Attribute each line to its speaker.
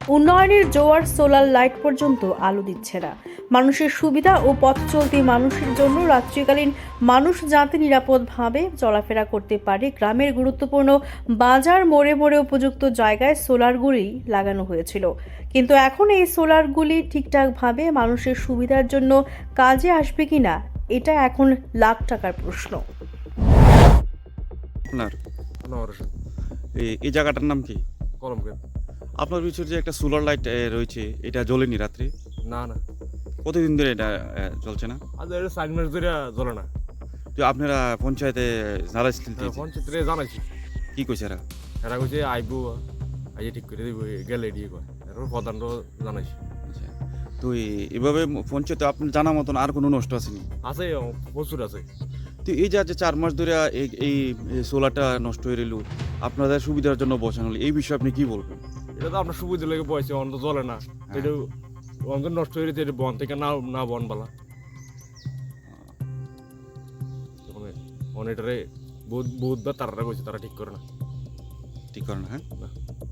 Speaker 1: উন্নয়নের জোয়ার solar light পর্যন্ত আলো দিচ্ছে না। মানুষের সুবিধা ও পথ চলতি মানুষের জন্য রাত্রিকালীন মানুষ যাতে নিরাপদভাবে চলাফেরা করতে পারে, গ্রামের গুরুত্বপূর্ণ বাজার মোড়ে মোড়ে উপযুক্ত জায়গায় সোলারগুলি লাগানো হয়েছিল। কিন্তু এখন এই সোলারগুলি ঠিকঠাকভাবে মানুষের সুবিধার জন্য কাজে আসবে কিনা, এটা এখন লাখ টাকার প্রশ্ন।
Speaker 2: আপনার
Speaker 3: আনোয়ার হোসেন,
Speaker 2: এই জায়গাটার নাম কি?
Speaker 3: কলমকে।
Speaker 2: আপনার পিছনে যে একটা সোলার লাইট রয়েছে, এটা জ্বলেনি রাত্রে?
Speaker 3: না না,
Speaker 2: কতদিন ধরে এটা চলছে না?
Speaker 3: আজ এটা 4 মাস ধরে জ্বলে না।
Speaker 2: তো আপনারা পঞ্চায়েতে জানাইছিলেন
Speaker 3: পঞ্চায়েতে জানাইছি,
Speaker 2: কি কইছে এরা?
Speaker 3: এরা কইছে আইবো, আইয়ে ঠিক করে দিব, গেলে দিয়ে কয়। এরপর প্রধানও জানাইছি।
Speaker 2: আচ্ছা, তো এভাবে পঞ্চায়েতে আপনার জানা মতন আর কোনো নষ্ট আসেনি?
Speaker 3: আছে, প্রচুর আছে।
Speaker 2: তো এই যে আজ 4 মাস ধরে এই সোলারটা নষ্ট হয়ে রইল, আপনাদের সুবিধার জন্য বসানো হলো, এই বিষয়ে আপনি কি বলবেন?
Speaker 3: এটা তো আপনার সুবিধা লেগে পয়সা অন্ত জ্বলে না, এটা অন্ত নষ্ট হয়ে গেছে, এটা বন থেকে না বন বালা এটারে বহুতবার তারা কইছে, তারা ঠিক করে না।
Speaker 2: ঠিক করে না, হ্যাঁ?
Speaker 3: না।